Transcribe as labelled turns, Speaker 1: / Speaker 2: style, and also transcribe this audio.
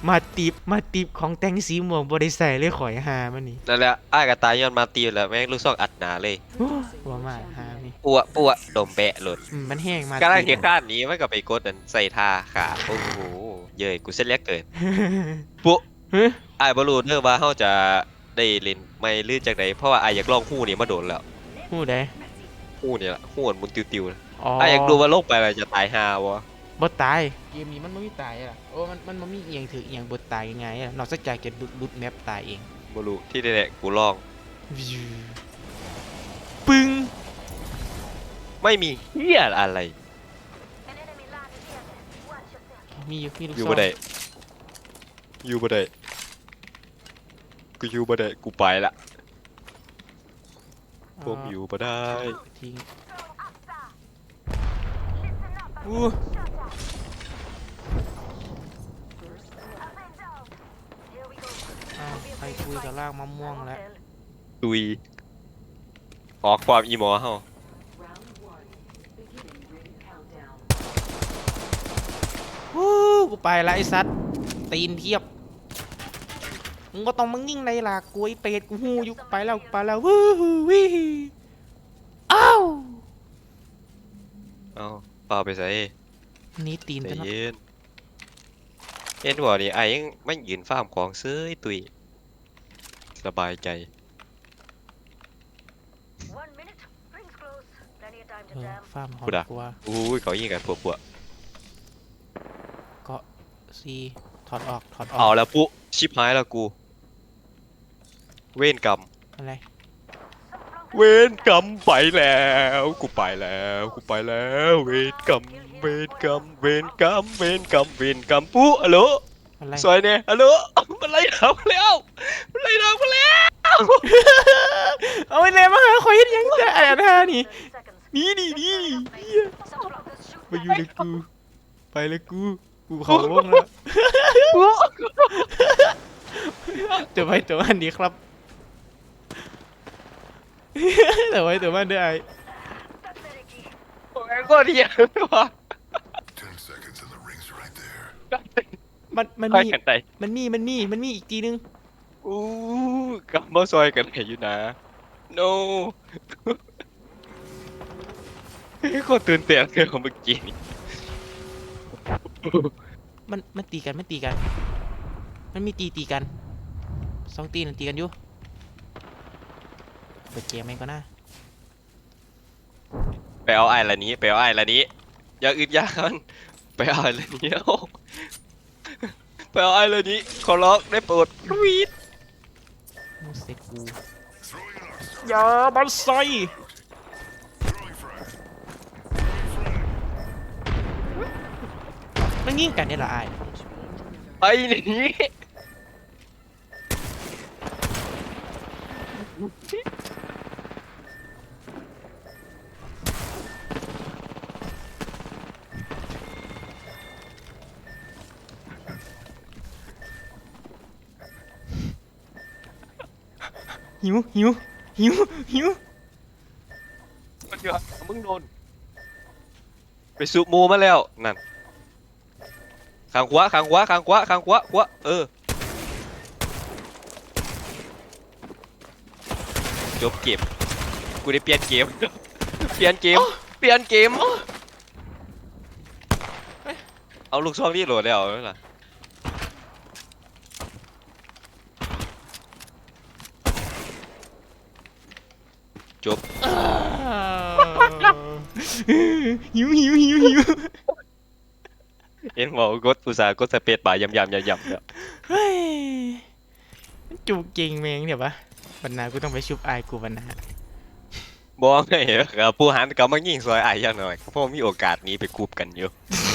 Speaker 1: มาติบของแต่งสีม่วงบ่ได้ใส่เลยข่อยหามันนี่
Speaker 2: นั่นแหละอ้ายก็ตายย้อนมาตีแล้วแม่งลูกซองอัดหนาเลย
Speaker 1: โอ้ว่ามาหานี่
Speaker 2: ปัวดมแบะหลุด
Speaker 1: มันแห้งมา
Speaker 2: กำลัง
Speaker 1: ติบ
Speaker 2: เหียข้านหนี้มันก็ไปกดอันใส่ท่าขาโอ้โหเย้ยกูเส้นเล็กเกินปุ๊
Speaker 1: เฮ้ย
Speaker 2: อ้ายบ่รู้เด้อว่าเฮาจะได้เล่นไม่หรือจังไดเพราะว่าอ้ายอยากลองฮู้นี่มาโดนแล้ว
Speaker 1: ฮู้ได้
Speaker 2: ฮู้นี่ล่ะฮู้อันมุนติวๆนะ
Speaker 1: อ๋อ
Speaker 2: อ้ายอยากรู้ว่าลงไปแล้วจะตายห่าวะ
Speaker 1: บ่ตายเกมนี้มันบ่มีตายอ่ะโอ้มันบ่มีอีหยังถืออีหยังบ่ตายง่ายๆอะนอกจากจะหลุดแมปตายเอง
Speaker 2: บ่รู้ที่แน่ๆกูลอง
Speaker 1: วิวปึ้ง
Speaker 2: ไม่มีเหี้ยอะไร
Speaker 1: มีลูก
Speaker 2: อยู่
Speaker 1: ซอ
Speaker 2: บ่ได้
Speaker 1: ง
Speaker 2: อยู่บ่ได้กูอยู่บ่ได้กูไปละผมอยู่บ่ได้
Speaker 1: ทิ้งอู้อ้าวใครคุยกับลากมะม่วงแล้ว
Speaker 2: ตุยออกความอีหมอเฮา
Speaker 1: ฮู้กูไปละไอ้สัตว์ตีนเทียบมึงก็ต้องมึงยิ่งในล่ะกูไอ้เป็ดกูฮู้อยู่ไปแล้ววู้ฮู้วิอ้าว
Speaker 2: เอ้าเปล่าไปใส่
Speaker 1: นี่ตีน
Speaker 2: ใจ
Speaker 1: จะเนาะ
Speaker 2: เย็นเห็นบ่นี่ไอ้ยังไม่ยืนฟาร์มของเซ้ยตุยสบายใจ
Speaker 1: ฟาร์มหอ
Speaker 2: พู
Speaker 1: ม
Speaker 2: ดอ่ะ
Speaker 1: กว่า
Speaker 2: อู้ยเขายิงกันปัว
Speaker 1: เกาะซีถอดออก
Speaker 2: ๆเอาแล้วปุ๊ชิบหายแล้วกูเวรกรรม
Speaker 1: อะไร
Speaker 2: เวรกรรมไปแล้วกูไปแล้วกูไปแล้วเวรกรรมเวรกรรมเวรกรรมเวรกรรมเวรกรรมปุ๊ฮัลโหล
Speaker 1: อะไร
Speaker 2: ซอยเนี่ยฮัลโหลมันไล่ทำแล้วมันไล่ทำมาแล้ว
Speaker 1: เอาไปเลยมาหาคอยเฮ็ดหยังแต่อันท่านี่นี่เหี้ยมาอยู่เลยกูไปเลยกูเขาวงแล้วตัวไปตัวมันดีครับตัวไปตัวมันได้
Speaker 2: โอ้ยก็เดียวว่ะ
Speaker 3: 10 seconds and the ring's right there.
Speaker 1: มัน
Speaker 2: ค่อย
Speaker 1: มี
Speaker 2: กันไป
Speaker 1: มันมีอีกทีนึง
Speaker 2: อู้กลับมาซอยกันไหนอยู่นะ no โคตรตื่นเต้นเลยของเมื่อกี้นี่
Speaker 1: มันตีกันมันมีตีกันสองตีนั่นตีกันอยู่เปิดเกมไหมก็น่า
Speaker 2: ไปเอาไอ้ละนี้ไปเอาไอ้ละนี้อย่าอึดอยากันไปเอาไอ้ละนี้เอาไปเอาไอ้ละนี้ขอร้องได้โปรดวีด
Speaker 1: มูเสกกู
Speaker 3: Throwing an arc.
Speaker 1: อย่าบันไซ
Speaker 3: Throwing frag.
Speaker 1: มันยิงกันเนี่ยเหรอไอ้
Speaker 2: ไอ้นี่
Speaker 1: หิว
Speaker 2: มันอยู่มึงโดนไปสูบมูมาแล้วนั่นข้างขวาเออจบเกมกูได้เปลี่ยนเกมเปลี่ยนเกมเอาลูกซองนี่โหลดแล้วนั่นล่ะจบ
Speaker 1: หิว
Speaker 2: เห็นบอกกดอุตสาห์กดสเปซบาร์ยำเนี่ย
Speaker 1: เฮ้ยมันจูเก่งแมงเดี๋ยวปะบรรณากูต้องไปชุบไอ้กูบรรณา
Speaker 2: บอกไงครับผู้หันก็มายิงซอยไอ้ายอย่างหน่อยเพราะมีโอกาสหนี้ไปคูบกันอยู่